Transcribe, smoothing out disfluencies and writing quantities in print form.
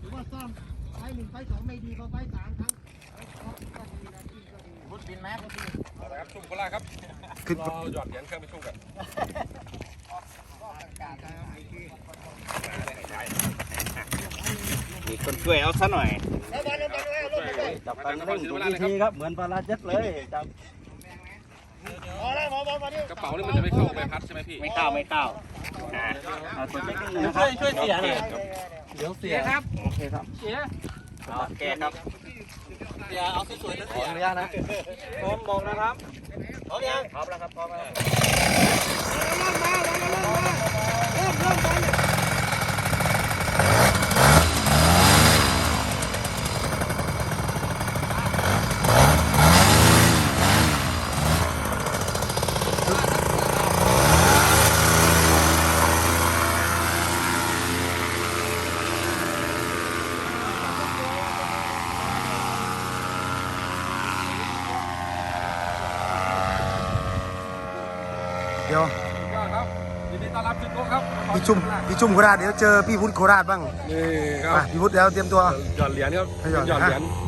รือว่าซ่อมไฟหนึ่งไฟสองไม่ดีพอไฟสามทั้งก็ดีนะที่ก็ดีพุทธบินไหมพุทธบินเอาละครับชุ่มโคราชครับรอหยอดเหรียญเครื่องไปชุ่มกันมีคนช่วยเอาซะหน่อยจับไปนครศรีธรรมราชเลยครับครับเหมือนปลาร้าเจ็ดเลยจับพอแล้วพอนี่กระเป๋านี่มันจะไม่เข้าใบพัดใช่ไหมพี่ไม่เข้าเอาตัวเล็กนิดนึงนะครับช่วยเสียหน่อยเดี๋ยวเสียครับโอเคครับเสียโอเคครับเสียเอาสวยๆนะเสียอนุญาตนะพร้อมบอกนะครับพร้อมยังพร้อมแล้วครับพร้อมแล้วเดี๋ยวก็ครับยินดีต้อนรับชุดโก้ครับพี่ชุ่มโคราชเดี๋ยวเจอพี่พุทธโคราชบ้างนี่คอ่ะรับพี่พุทธแล้วเตรียมตัวหยอดเหรียญครับหยอดหยอดเหรียญฮะ